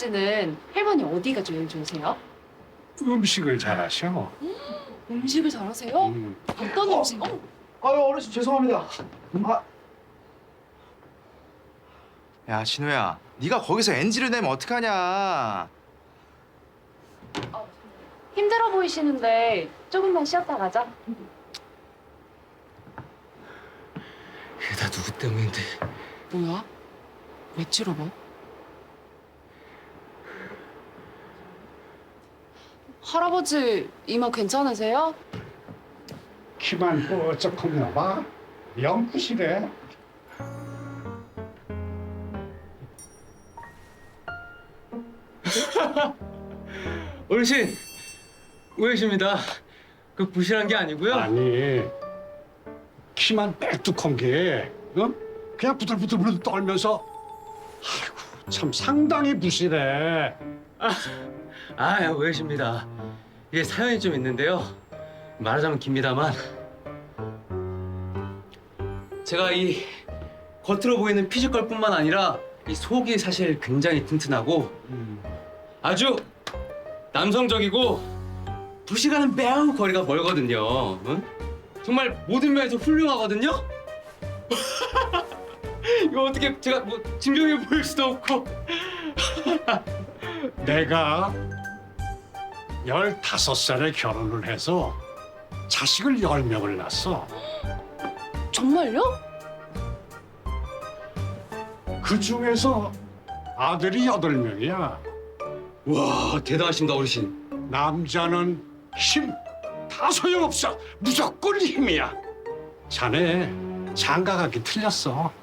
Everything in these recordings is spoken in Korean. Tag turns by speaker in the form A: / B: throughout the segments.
A: 할아버지는 할머니 어디가 제일 좋으세요?
B: 음식을 잘하셔.
A: 음식을 잘하세요? 어떤 음식?
C: 아유 어르신 죄송합니다.
D: 야, 진호야, 네가 거기서 NG를 내면 어떡하냐?
A: 힘들어 보이시는데 조금만 쉬었다 가자.
E: 이게 다 누구 때문인데?
A: 뭐야? 왜 찌러봐? 할아버지 이마 괜찮으세요?
B: 키만 뽀쩍하나 봐. 영구시래.
E: 어르신, 오해십니다. 그 부실한 게 아니고요.
B: 아니, 키만 빽뚝한 게, 어? 그냥 부들부들 떨면서, 아이고, 참 상당히 부실해.
E: 오해십니다. 이게 사연이 좀 있는데요. 말하자면 깁니다만 제가 이 겉으로 보이는 피지컬뿐만 아니라 이 속이 사실 굉장히 튼튼하고 아주 남성적이고 부시가는 매우 거리가 멀거든요. 응? 정말 모든 면에서 훌륭하거든요. 이거 어떻게 제가 뭐 증명해 보일 수도 없고.
B: 내가 15살에 결혼을 해서 자식을 10명을 낳았어.
A: 정말요?
B: 그 중에서 아들이 8명이야.
E: 와, 대단하십니다, 어르신.
B: 남자는 힘 다 소용없어. 무조건 힘이야. 자네 장가가기 틀렸어.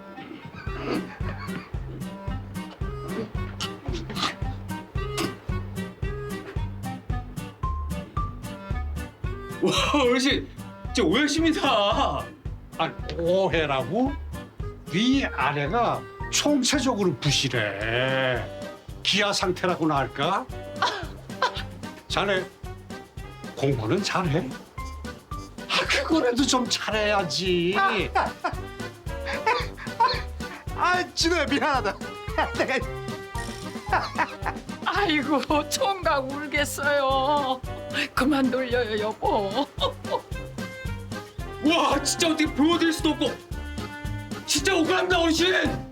E: 와, 어르신, 진짜 오해십니다.
B: 아, 오해라고? 위 아래가 총체적으로 부실해. 기아 상태라고나 할까? 자네 공부는 잘해? 그거라도 좀 잘해야지.
D: 아, 진호야, 미안하다. 내가
F: 아이고 총각 울겠어요. 그만 놀려요 여보.
E: 와, 진짜 어떻게 보여드릴 수도 없고 진짜 억울합니다, 어르신.